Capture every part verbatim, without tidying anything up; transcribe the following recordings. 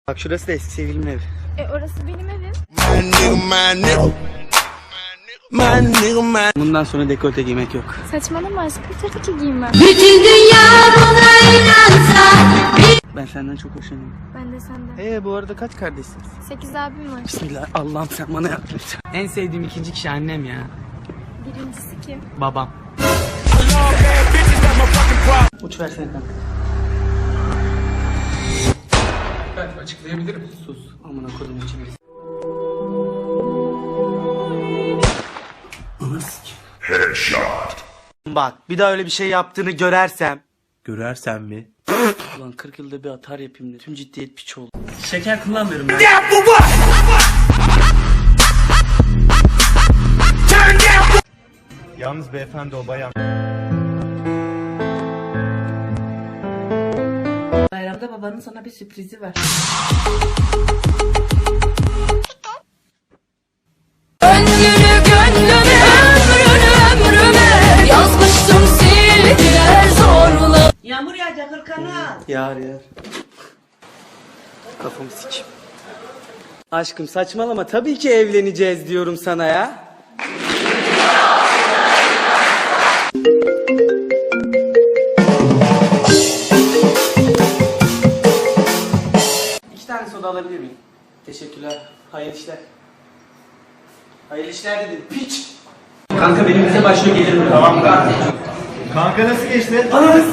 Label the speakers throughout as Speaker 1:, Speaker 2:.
Speaker 1: Bak şurası da eski sevgilimin evi.
Speaker 2: E orası benim evim.
Speaker 1: Bundan sonra dekolte giymek yok.
Speaker 2: Saçmalama aşkım, tabii ki giymem.
Speaker 3: Bütün dünya buna inansa.
Speaker 1: Ben senden çok hoşlanıyorum.
Speaker 2: Ben de senden.
Speaker 1: Ee bu arada kaç kardeşsiniz?
Speaker 2: Sekiz abim var.
Speaker 1: Bismillah, Allah'ım sen bana yardım et. En sevdiğim ikinci kişi annem ya.
Speaker 2: Birincisi kim?
Speaker 1: Babam. Uç versene kanka.
Speaker 4: Ben açıklayabilirim.
Speaker 1: Sus. Amına kodum içimiz. Headshot. Bak bir daha öyle bir şey yaptığını görersem.
Speaker 5: Görersen mi?
Speaker 1: Ulan kırk yılda bir atar yapayım dedim. Tüm ciddiyet piç oldu. Şeker kullanmıyorum ben.
Speaker 5: Yalnız beyefendi o bayan.
Speaker 6: Bayramda babanın sana bir sürprizi var.
Speaker 3: Gönlünü gönlüme, ömrünü ömrüme yazmıştım sildiler zorla.
Speaker 6: Yağmur yağacak hırkana.
Speaker 1: Yar yar. Kafamı sikim. Aşkım saçmalama, tabii ki evleneceğiz diyorum sana ya. İki tane soda alabilir miyim? Teşekkürler. Hayırlı işler. Hayırlı işler dedim. Piç. Kanka benim bize başlıyor, gelir mi? Tamam kanka.
Speaker 5: Kanka nasıl geçti?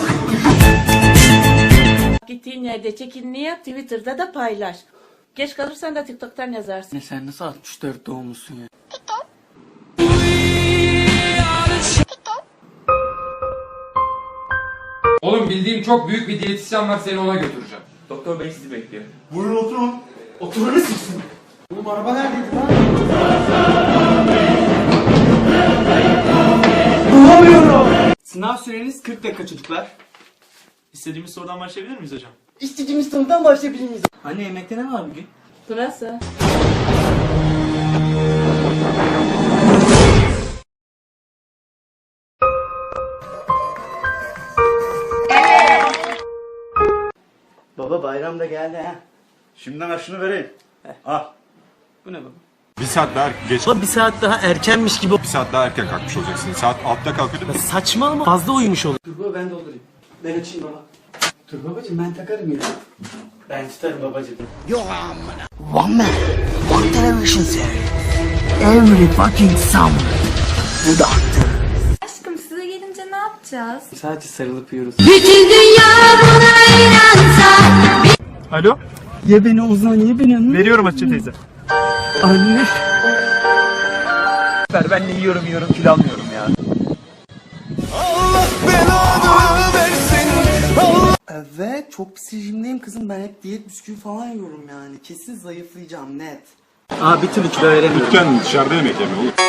Speaker 6: Gittiğin yerde çekinini yap, Twitter'da da paylaş. Geç kalırsan da TikTok'tan yazarsın.
Speaker 1: Ne sen nasıl altmış dört doğumlusun ya?
Speaker 4: Oğlum bildiğim çok büyük bir diyetisyen var, seni ona götüreceğim.
Speaker 1: Doktor bey sizi bekliyor.
Speaker 5: Buyurun oturun.
Speaker 1: Oturunu siksin.
Speaker 5: Oğlum araba neredeydi lan?
Speaker 1: Bulamıyorum. Sınav süreniz kırk dakika çocuklar.
Speaker 5: İstediğimiz sorudan başlayabilir miyiz hocam?
Speaker 1: İstediğimiz sorudan başlayabilir miyiz? Anne yemekte ne var bugün?
Speaker 6: Pırasa.
Speaker 1: Baba bayram da geldi ha.
Speaker 5: Şimdiden aşını vereyim. Al.
Speaker 1: Bu ne baba?
Speaker 7: Bir saat daha geç,
Speaker 1: Baba bir saat daha erkenmiş gibi.
Speaker 7: bir saat daha erken kalkmış olacaksın. Saat altıda kalkıyordun.
Speaker 1: Saçmalama. Fazla uyumuş olur. Dur baba ben doldurayım. Ben açayım baba. Dur babacığım ben takarım ya. Ben tutarım babacığım. Yo amına. One man, one television series. Every fucking summer. The Doctor.
Speaker 2: Aşkım size gelince ne yapacağız?
Speaker 1: Sadece sarılıp yiyoruz.
Speaker 3: Bütün dünya buna inansa.
Speaker 5: Alo?
Speaker 1: Ye beni Ozan, ye beni.
Speaker 5: Veriyorum Hatice teyze.
Speaker 1: Anne.
Speaker 5: Ver ben de yiyorum yiyorum kilo almıyorum ya.
Speaker 1: Evet çok pis rejimdeyim kızım, ben hep diyet bisküvi falan yiyorum yani. Kesin zayıflayacağım net. Aa bir türlü kilo veremiyorum.
Speaker 7: Lütfen dışarıda yemek yeme oğlum.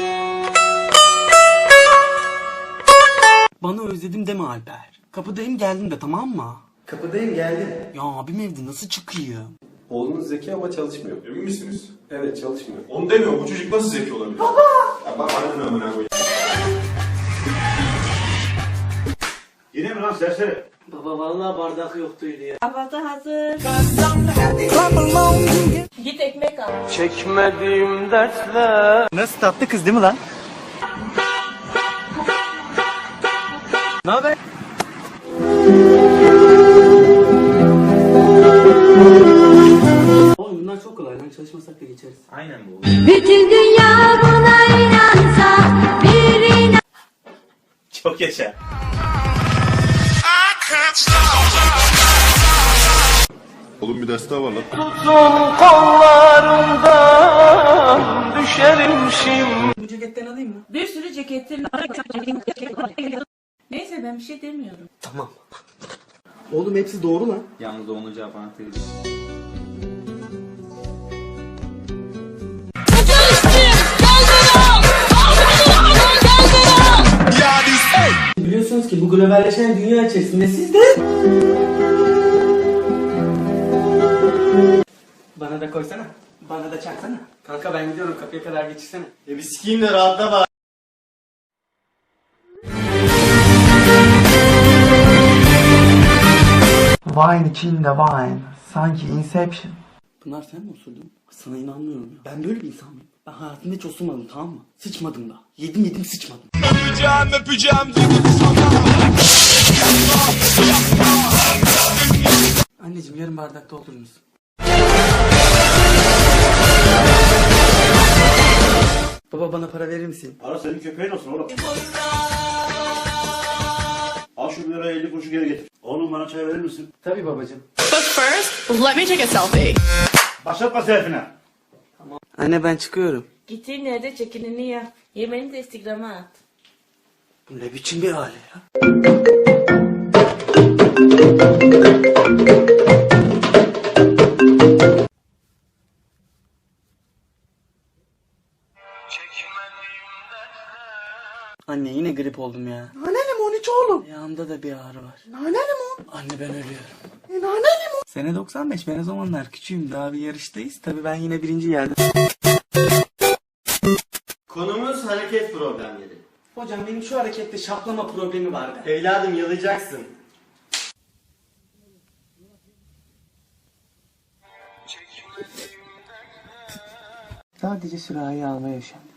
Speaker 1: Bana özledim deme Alper. Kapıdayım geldim de, tamam mı? Kapıdayım geldim. Ya abim evde, nasıl çıkıyor?
Speaker 8: Oğlunuz zeki ama çalışmıyor.
Speaker 7: Emin misiniz?
Speaker 8: Evet çalışmıyor.
Speaker 7: Onu demiyorum. Bu çocuk nasıl zeki olabilir? Baba! Ya bak ananı amına koyayım. Yine mi lan serseri?
Speaker 1: Baba vallahi bardak yoktuydu ya.
Speaker 6: Kahvaltı hazır. Git ekmek al.
Speaker 1: Çekmediğim dertler. Nasıl tatlı kız değil mi lan? Ne haber? Oğlum bunlar çok kolay lan, çalışmasak da geçeriz.
Speaker 5: Aynen bu.
Speaker 3: Bütün dünya buna inansa. Bir inan.
Speaker 5: Çok yaşa.
Speaker 7: Oğlum bir ders daha var lan.
Speaker 1: Uzun kollarından düşerimşim. Bu ceketten alayım mı?
Speaker 6: Bir sürü ceketin. Neyse ben bir şey demiyorum.
Speaker 1: Tamam. Oğlum hepsi doğru lan.
Speaker 5: Yalnız onun cevap anahtarı.
Speaker 1: Biliyorsunuz ki bu globalleşen dünya içerisinde siz de... Bana da koysana. Bana da çaksana. Kanka ben gidiyorum, kapıya kadar geçirsene.
Speaker 5: E bir sikiyim de rahatla bak.
Speaker 1: Wine içinde wine. Sanki Inception. Pınar sen mi osurdun? Sana inanmıyorum ya. Ben böyle bir insan mıyım? Ben hayatımda hiç osurmadım, tamam mı? Sıçmadım da. Yedim yedim sıçmadım.
Speaker 7: Öpeceğim öpeceğim
Speaker 1: Anneciğim yarım bardak doldurur musun? Baba bana para verir misin?
Speaker 5: Ara senin köpeğin olsun oğlum. Al şu bir liraya elli kuruşu geri getir. Oğlum bana çay verir misin?
Speaker 1: Tabii babacığım.
Speaker 9: But first, let me take a selfie.
Speaker 5: Başlatma selfie'ne.
Speaker 1: Anne ben çıkıyorum.
Speaker 6: Gittiğin yerde çekinini yap. Yemeğini de Instagram'a at.
Speaker 1: Bu ne biçim bir hale ya? Anne yine grip oldum ya. Nane limon iç oğlum. Ayağımda da bir ağrı var. Nane limon. Anne ben ölüyorum. E, nane limon. Sene doksan beş, ben o zamanlar küçüğüm, daha bir yarıştayız. Tabii ben yine birinci geldim.
Speaker 5: Konumuz hareket problemleri.
Speaker 1: Hocam benim şu harekette şaplama problemi vardı.
Speaker 5: Evladım yalayacaksın.
Speaker 1: Sadece sürahi almaya üşendim.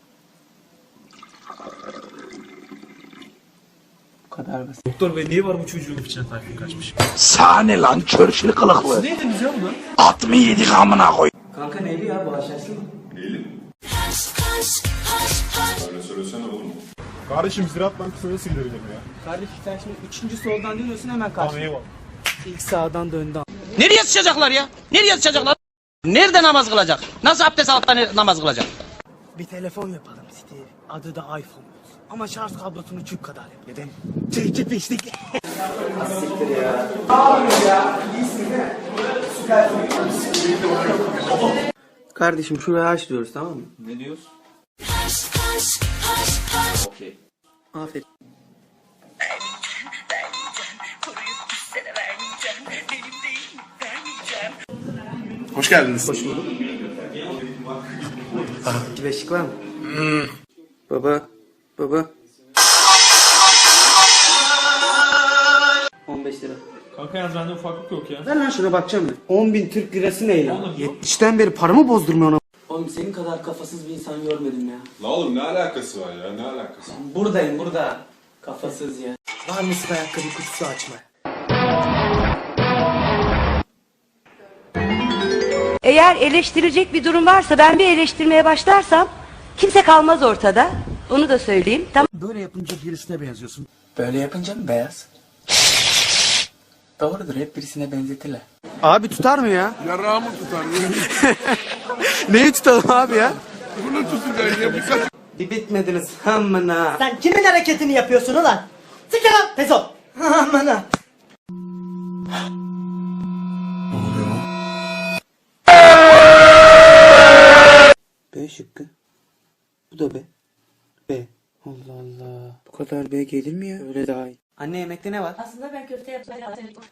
Speaker 1: Bu kadar basit.
Speaker 7: Doktor bey niye var bu çocuğun içine tayfun kaçmış?
Speaker 10: Sahne lan çörçülü kılıklı.
Speaker 7: Ne yediniz ya bunu?
Speaker 10: At mı yedik amına koy.
Speaker 1: Kanka neydi ya, bu aşağısı mı?
Speaker 7: Değilim. Öyle söylesene oğlum. Kardeşim Ziraat Bankası'na nasıl gidebilirim ya?
Speaker 1: Kardeşim sen şimdi üçüncü soldan dönüyorsun, hemen karşı.
Speaker 7: Tamam eyvallah.
Speaker 1: İlk sağdan döndü.
Speaker 10: Nereye sıçacaklar ya? Nereye sıçacaklar? Nerede namaz kılacak? Nasıl abdest alıp da ne- namaz kılacak?
Speaker 1: Bir telefon yapalım Steve. Adı da iPhone olsun. Ama şarj kablosunu çük kadar yap. Neden? Çekici peşlik. Siktir ya. Abi ya. İyisin değil mi? Süpersin. Kardeşim şuraya aç diyoruz, tamam mı?
Speaker 5: Ne diyorsun? Okey.
Speaker 1: Aferin.
Speaker 7: Hoş geldiniz.
Speaker 1: Hoş bulduk. Beşik var mı? Baba. Baba. on beş lira.
Speaker 7: Kanka yalnız bende ufaklık yok ya.
Speaker 1: Ver lan şuna, bakacağım ben. on bin Türk lirası ne ya? yetmişten beri paramı bozdurmuyor ona. Oğlum senin kadar kafasız bir insan görmedim ya.
Speaker 7: La oğlum ne alakası var ya, ne alakası?
Speaker 1: Buradayım burada. Kafasız ya. Var mısın ayakkabı kutusu açma?
Speaker 3: Eğer eleştirecek bir durum varsa ben bir eleştirmeye başlarsam kimse kalmaz ortada. Onu da söyleyeyim. Tamam.
Speaker 1: Böyle yapınca birisine benziyorsun. Böyle yapınca mı beyaz? Doğrudur, hep birisine benzetirler. Abi tutar mı ya?
Speaker 7: Yarağımı tutar.
Speaker 1: Neyi tutalım abi ya?
Speaker 7: Bunu tutacak ya birkaç.
Speaker 1: Bir bitmediniz amına.
Speaker 11: Sen kimin hareketini yapıyorsun ulan? Siktir lan Pezo. Amına.
Speaker 1: B şıkkı. Bu da B. B. Allah Allah. Bu kadar B gelir mi ya? Öyle daha iyi. Anne yemekte ne var?
Speaker 6: Aslında ben köfte yapacağım.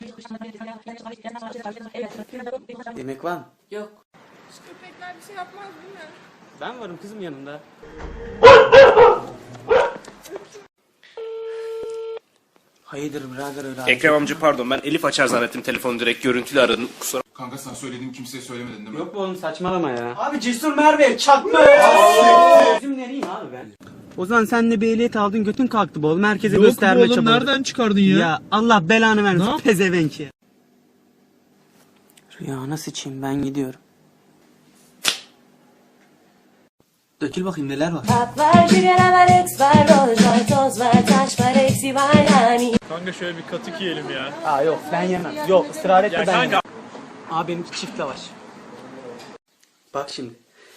Speaker 1: Yemek var mı?
Speaker 6: Yok.
Speaker 2: Köpekler bir şey yapmaz değil mi?
Speaker 1: Ben varım kızım yanında. Hayırdır birader öyle abi?
Speaker 10: Ekrem amca pardon, ben Elif açar zannettim telefonu, direkt görüntülü aradım. Kusura.
Speaker 7: Kanka sen söylediğim kimseye söylemedin değil mi?
Speaker 1: Yok bu oğlum, saçmalama ya. Abi Cesur Merve çakma. Bizim nereyim abi ben? Ozan sen de bir ehliyet aldın, götün kalktı bu oğlum. Herkese gösterme çabası.
Speaker 11: nereden çıkardın ya?
Speaker 1: Ya Allah belanı vermesin pezevenk ya. Rüyana sıçayım, ben gidiyorum. Dökül bakayım neler var.
Speaker 3: Tat var, sigara var, eks var, roj var, toz var, taş var, eksi var yani.
Speaker 11: Kanka şöyle bir katık yiyelim ya.
Speaker 1: Aa yok ben yemem. Yok ısrar etme,
Speaker 11: Ya
Speaker 1: ben
Speaker 11: kanka.
Speaker 1: yemem. Aa benimki çift lavaş. Bak şimdi.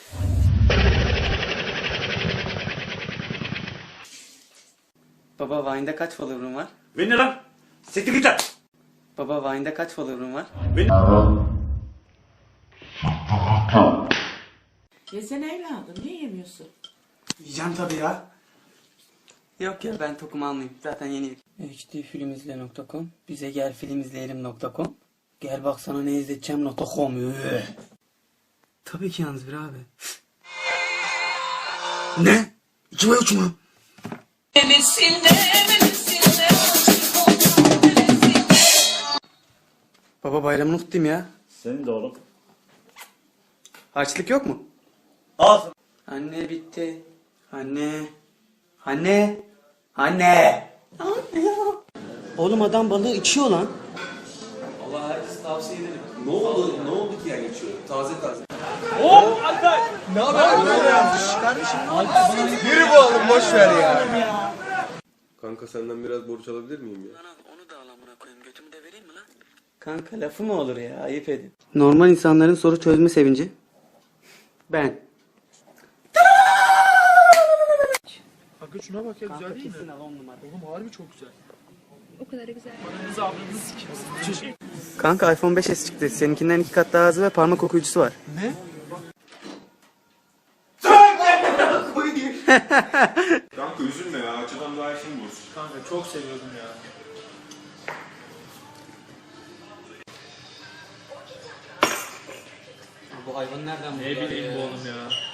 Speaker 1: Baba Vine'da kaç follower'ın var?
Speaker 5: Beni ne lan? Siktir git lan.
Speaker 1: Baba Vine'da kaç follower'ın var?
Speaker 6: Yesene evladım. Niye yemiyorsun?
Speaker 1: Yiyeceğim tabii ya. Yok ya ben tokumu almayayım. Zaten yeni yedim. h d filmizle nokta com Bize gel film izleyelim nokta com Gel bak sana ne izleteceğim nokta com Üh. Tabii ki yalnız bir abi. Ne? İki ve üç mü? Baba bayramını kutlayayım ya.
Speaker 5: Senin de oğlum.
Speaker 1: Harçlık yok mu?
Speaker 5: Ağzın.
Speaker 1: Anne bitti. Anne. Anne. Anne. Anne. Oğlum adam balığı içiyor lan.
Speaker 8: Allah herkes tavsiye ederim. Ne oldu? Ne oldu ki yani içiyor? Taze taze. Kanka senden biraz borç alabilir miyim ya?
Speaker 1: Kanka lafı mı olur ya? Ayıp edin. Normal insanların soru çözme sevinci. Ben.
Speaker 12: Kanka şuna bak ya, güzel değil mi? Oğlum harbi çok güzel.
Speaker 2: O kadar güzel.
Speaker 12: Ananızı ablanızı sikeyim.
Speaker 1: Kanka iPhone beş S çıktı. Seninkinden iki kat daha hızlı ve parmak okuyucusu var.
Speaker 12: Ne?
Speaker 7: Kanka üzülme ya. Açıdan daha işin bulursun.
Speaker 12: Kanka çok seviyordum ya.
Speaker 1: Bu hayvan nereden
Speaker 12: Ne bileyim bu oğlum ya.